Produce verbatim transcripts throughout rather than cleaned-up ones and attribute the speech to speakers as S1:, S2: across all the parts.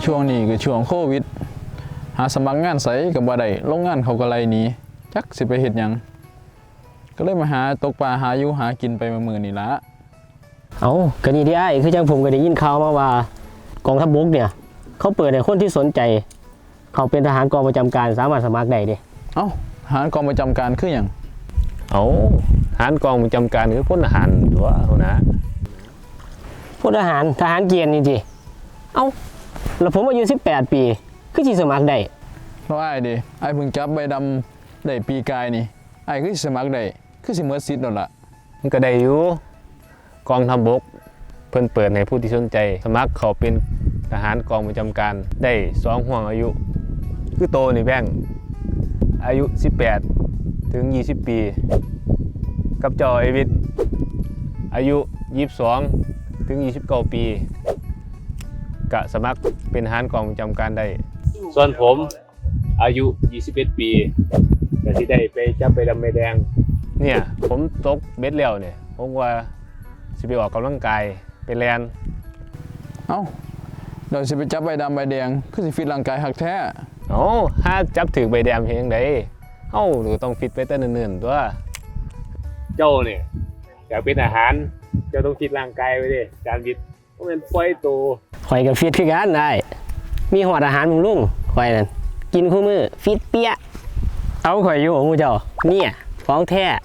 S1: ช่วงนี้คือช่วงโควิดหาสมัครงานไสกับบ่ได้โรงงานเขาก็ไล่หนีจักสิไปเฮ็ดหยังก็เลยมาหาตกปลาหาอยู่หากินไปมื้อๆนี่ละ
S2: เอาก็นี่ที่ไอ้คือจังผมก็ได้ยินข่าวมาว่ากองทัพบกเนี่ยเขาเปิดให้คนที่สนใจเขาเป็นทหารกองประจำการสามารถสมัครได้ดิ
S1: เอ้าทหารกองประจำการคือหยัง
S3: เอาทหารกองประจำการคือพลทหารตัวเอานะ
S2: พลทหารทหารเกียรตินี่จิเอ้าแล้วผมอายุสิบแปดปีคือสิสมัครได้
S1: แล้วอ้ายดิอ้ายเพิ่งจับใบดำได้ปีกายนี่อ้ายคือสิสมัครได้คือสิหมดสิทธิ์แล้วล่ะ
S3: มันก็ได้อยู่กองทัพบกเพิ่นเปิดให้ผู้ที่สนใจสมัครเขาเป็นทหารกองประจำการได้สองห่วงอายุคือโตนี่แบ่งอายุสิบแปดถึงยี่สิบปีกับจอไอวิทย์อายุยี่สิบสองถึงยี่สิบเก้าปีกะสมัครเป็นทหารกองประจำการได้ส่วนผมอายุยี่สิบเอ็ดปีก็สิได้ไปจับใบดำใบแดงเนี่ยผมตกเบ็ดแล้วเนี่ยผมว่าสิไปออกกำลังกายไปแลน
S1: เอ้าเดี๋ยวสิไปจับใบดำใบแดงคือสิฟิตร่างกายหักแท้
S3: โอ้ถ้าจับถือใบแดงเพียงใดเอ้าหรือต้องฟิตไปแต่เนิ่นๆตัวเจ้าเนี่ยอยากเป็นอาหารเจ้าต้องฟิตร่างกายไว้ดิการบิดเพราะมันปล่อยตัว
S2: ข่อยกับฟิตคือกันได้มีหอดอาหารมุงลุงข่อยนั่นกินคู่มือฟิตเปี้ยเอาข่อยอยู่ของมูเจ้าเนี่ยของแท้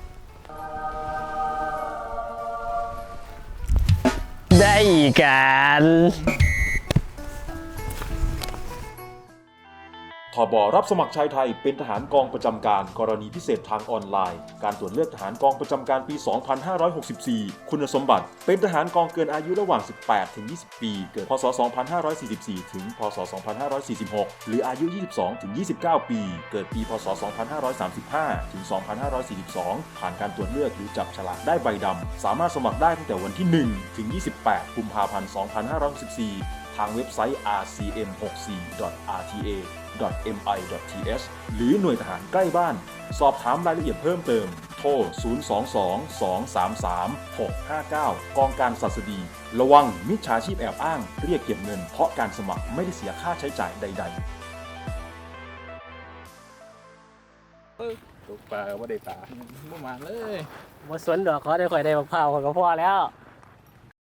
S2: ได้กัน
S4: ทบรับสมัครชายไทยเป็นทหารกองประจำการกรณีพิเศษทางออนไลน์การตรวจเลือกทหารกองประจำการปี สองพันห้าร้อยหกสิบสี่ คุณสมบัติเป็นทหารกองเกินอายุระหว่าง สิบแปดถึงยี่สิบ ปี เกิดพ.ศ. สองพันห้าร้อยสี่สิบสี่ ถึง พ.ศ. สองพันห้าร้อยสี่สิบหก หรืออายุ ยี่สิบสองถึงยี่สิบเก้า ปี เกิดปี พ.ศ. สองพันห้าร้อยสามสิบห้า ถึง สองพันห้าร้อยสี่สิบสอง ผ่านการตรวจเลือกหรือจับฉลากได้ใบดำสามารถสมัครได้ตั้งแต่วันที่ หนึ่ง ถึง ยี่สิบแปด กุมภาพันธ์ สองพันห้าร้อยหกสิบสี่ทางเว็บไซต์ อาร์ ซี เอ็ม หกสิบสี่ ดอท อาร์ ที เอ ดอท เอ็ม ไอ ดอท ที เอช หรือหน่วยทหารใกล้บ้านสอบถามรายละเอียดเพิ่มเติมโทร ศูนย์ สอง สอง สอง สาม สาม หก ห้า เก้า กองการศัสดีระวังมิจฉาชีพแอบอ้างเรียกเก็บเงินเพราะการสมัครไม่ได้เสียค่าใช้จ่ายใด
S3: ตกปลาไม่ได้ปลา
S1: บ่มาเลย
S2: บ่สนดอกขอได้ข่อยได้บักพร้าวข่อยก็พอแล้ว